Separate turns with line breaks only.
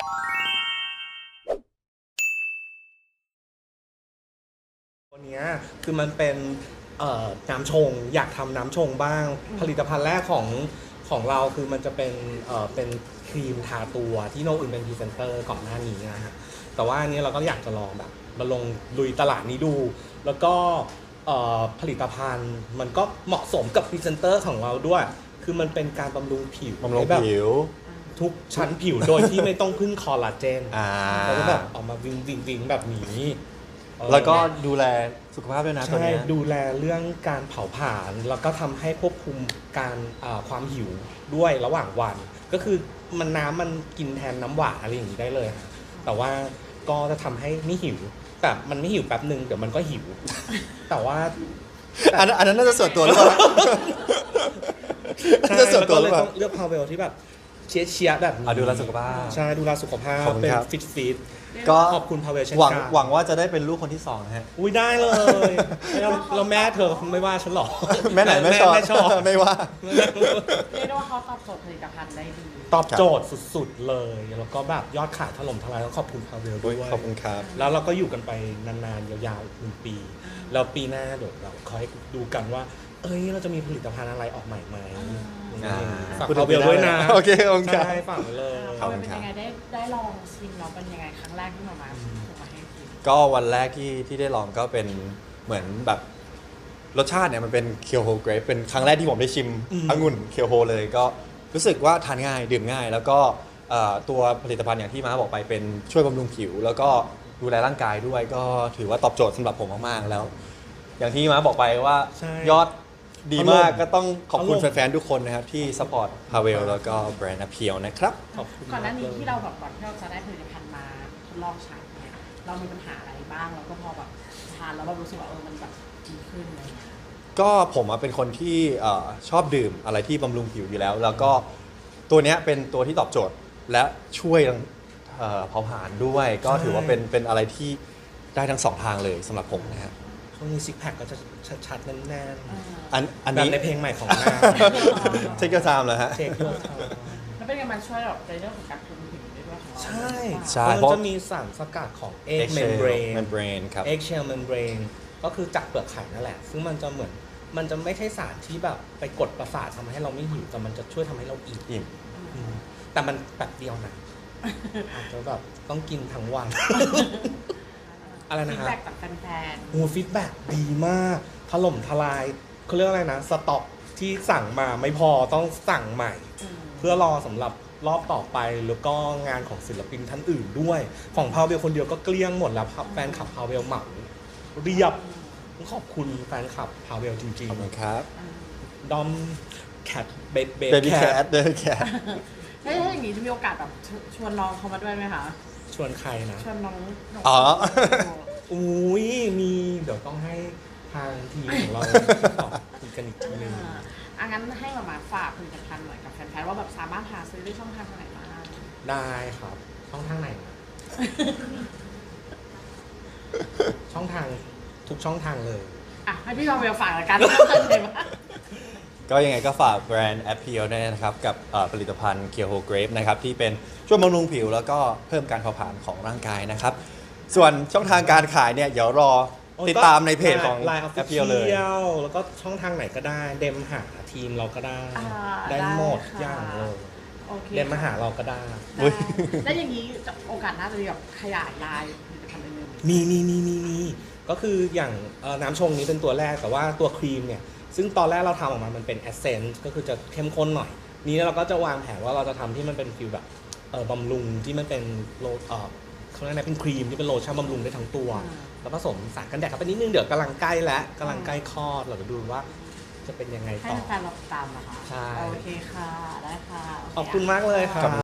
ตัวเนี้ยคือมันเป็นน้ำชงอยากทำน้ำชงบ้างผลิตภัณฑ์แรกของเราคือมันจะเป็นครีมทาตัวที่โนอื่นเป็นพรีเซนเตอร์ก่อนหน้านี้นะฮะแต่ว่าอันนี้เราก็อยากจะลองแบบมาลงลุยตลาดนี้ดูแล้วก็ผลิตภัณฑ์มันก็เหมาะสมกับพรีเซนเตอร์ของเราด้วยคือมันเป็นการบำรุงผิว
บำรุงผิว
ทุกชั้นผิวโดยที่ไม่ต้องพึ่งคอลลาเจน แล้วก็แบบออกมาวิงแบบนี้
แล้วก็ดูแลสุขภาพด้วยนะตัว
ใช่
นี้
ดูแลเรื่องการเผาผลาญแล้วก็ทำให้ควบคุมการความหิวด้วยระหว่างวัน ก็คือมันกินแทนน้ำหวานอะไรอย่างนี้ได้เลยค่ะแต่ว่าก็จะทำให้ไม่หิวแต่มันไม่หิวแป๊บหนึ่งเดี๋ยวมันก็หิว แต่ว่า
อันนั้นน่าจะส่วนตัวหรือเปล่า
ใช่
น่าจะส่วนตัวห
เล
รือย เปล่า
ต้องเลือกพาวเวลที่แบบเชียร์แบบนี้
ดูแลสุขภาพ
ใช่ดูแลสุขภาพ
ขอบคุณ
เป็น
ครับ
ฟิต
ก็
ขอบคุณพาวเวลเช่น
หวัง
กัน
หวังว่าจะได้เป็นลูกคนที่2นะฮะ
อุ้ยได้เลยแล้วแม่เธอคงไม่ว่าฉันหรอก
แม่ไหนแม่ชอบ
แม่ชอบ
ไม่ว่า
เรียกได้ว่าเขาตอบโจทย์ผลิตภัณฑ์ได้ดี
ตอบโจทย์สุดๆเลย แล้วก็แบบยอดขายถล่มทลายต้องขอบคุณพาวเวลด้วย
ขอบคุณครับ
แล้วเราก็อยู่กันไปนานๆยาวๆอีก1 ปี แล้วปีหน้าเดี๋ยวเราคอยดูกันว่า เอ้ยเราจะมีผลิตภัณฑ์อะไรออกใหม่ไหมฝาก
พูดถึ
พาง เวลด้วยนะ
โอเคขอบคุณครับ
ใช่ฝากไว้เลย
ขอบ
เป็
คุ
น
ณครับ
ยังไงได้ลองชิมแล้วเป็นยังไงครั้งแรกที่มาถูกมาให้กิน
ก็วันแรกที่ได้ลองก็เป็นเหมือนแบบรสชาติเนี่ยมันเป็นเคียวโฮเกรปเป็นครั้งแรกที่ผมได้ชิมองุ่นเคียวโฮเลยก็รู้สึกว่าทานง่ายดื่มง่าย แล้วก็ตัวผลิตภัณฑ์อย่างที่ม้าบอกไปเป็นช่วยบำรุงผิว แล้วก็ดูแลร่างกายด้วยก็ถือว่าตอบโจทย์สำหรับผมมากๆแล้ว อย่างที่ม้าบอกไปว่า
ใช่
ยอดดีมาก
ถล่ม
ก็ต้องขอบคุณ
ถล่ม
แฟนๆทุกคนนะครับที่สปอร์ตพาเวลแล้วก็แบรนด์อเพียวนะครับ
ขอบคุณ
ก่อนหน้านี้
มกลย
ที่เราแบบก่อนที่เราจะได้ผลิตภัณฑ์มาทดลองใช้เนี่ยเรามีปัญหาอะไรบ้างแล้วก็พอแบบทานแล้วเรารู้สึกว่ามันแบบดีขึ้นอะไรอย่างเงี้ย
ก็ผมเป็นคนที่ชอบดื่มอะไรที่บำรุงผิวอยู่แล้ว แล้วก็ตัวเนี้ยเป็นตัวที่ตอบโจทย์และช่วยเผาผลาญด้วย ก็ถือว่าเป็นอะไรที่ได้ทั้ง2ทางเลยสำหรับผมนะฮะ
ช่วงนี้ซิกแพคก็จะชัดๆแน่น
อัน
ๆแบบ
นี้
ในเพลงใหม่ของนาง
เทคเกอร์ไทม์เหรอฮะ
เทคโยธา
แล้วเป็นยังไงมันช่วยแบบในเรื่องของการคุมผิวได้ด้วยของเรา
ใช่
ใช่
มัน
เพราะ
จะมีสารสกัดของ egg membrane
membrane ครับ
egg shell membrane ก็คือจากเปลือกไข่นั่นแหละ ซึ่งมันจะเหมือนมันจะไม่ใช่สารที่แบบไปกดประสาททำให้เราไม่หิวแต่มันจะช่วยทำให้เราอิ่ม
อิ่ม
อืมแต่มันแบบเดียวนะอาจจะแบบต้องกินทั้งวัน อะไรนะ
ฟีด
ฮะ
แบ็กจากแฟน
โอ้ฟีดแบ็กดีมากถล่มทลายเขาเรียกอะไรนะสต็อกที่สั่งมาไม่พอต้องสั่งใหม่
ๆ
เพื่อรอสำหรับรอบต่อไปแล้วก็งานของศิลปินท่านอื่นด้วย ของพาวเวลคนเดียวก็เกลี้ยงหมดแล้วแฟนคลับพาวเวลเหมาเรียบต้องขอบคุณแฟนคลับพาวเวลจริง
ขอบคุณครับ
ๆดอมแคทเบ
Baby
แค
Cat
ท
Baby Cat
ถ้าอย่างนี้จะมีโอกาสแบบชวนน้องเขามาด้วยไหมคะ
ชวนใครนะ
ชวนน้อง
อ๋อ
อุ้ยมีเดี๋ยวต้องให้ทางทีมของเราตอบคุยกันอีกทีนึง
งั้นให้มาฝากผลิตภัณฑ์หน่อยกับแฟนๆว่าแบบสามารถหาซื้อได้ช่องทางไหนบ้าง
ได้ครับช่องทางไหนนะ ช่องทางทุกช่องทางเลย
ให้พี่บอลเวลฝากละกันเลยว่า
ก็ยังไงก็ฝากแบรนด์ Appeal ด้วยนะครับ กับผลิตภัณฑ์ Kyoho Grape นะครับที่เป็นช่วยบำรุงผิวแล้วก็เพิ่มการเผาผลาญของร่างกายนะครับ ส่วนช่องทางการขายเนี่ยเดี๋ยวรอติดตามในเพจของ
Line
Appeal เลย
Official แล้วก็ช่องทางไหนก็ได้ เดมหาทีมเราก็ได้ ได้หมดอย่างเลย
โอเค
เดมมาหาเราก็ได้
อุ๊ย
แล้วอย่างนี้โอกาสน่าจะมีแบบขยายลายผลิตภัณฑ์อื่น
มีก็คืออย่างน้ำชงนี้เป็นตัวแรกแต่ว่าตัวครีมเนี่ย ซึ่งตอนแรกเราทำออกมามันเป็นแอสเซนต์ก็คือจะเข้มข้นหน่อย นี้เราก็จะวางแผนว่าเราจะทำที่มันเป็นฟิลแบบบำรุงที่มันเป็นเขาเรียกอะไรเป็นครีมที่เป็นโลชั่นบำรุงได้ทั้งตัว แล้วผสมสารกันแดดเข้าไปนิดนึงเดี๋ยวกำลังใกล้แล้วกำลังใกล้คลอดเราจะดูว่าจะเป็นยังไง
ให้
ต่อ
แฟนๆเราติดตามนะคะ
ใช่
โอเคค่ะ ได้ค่ะโเ
ขอบคุณมากเลยครับ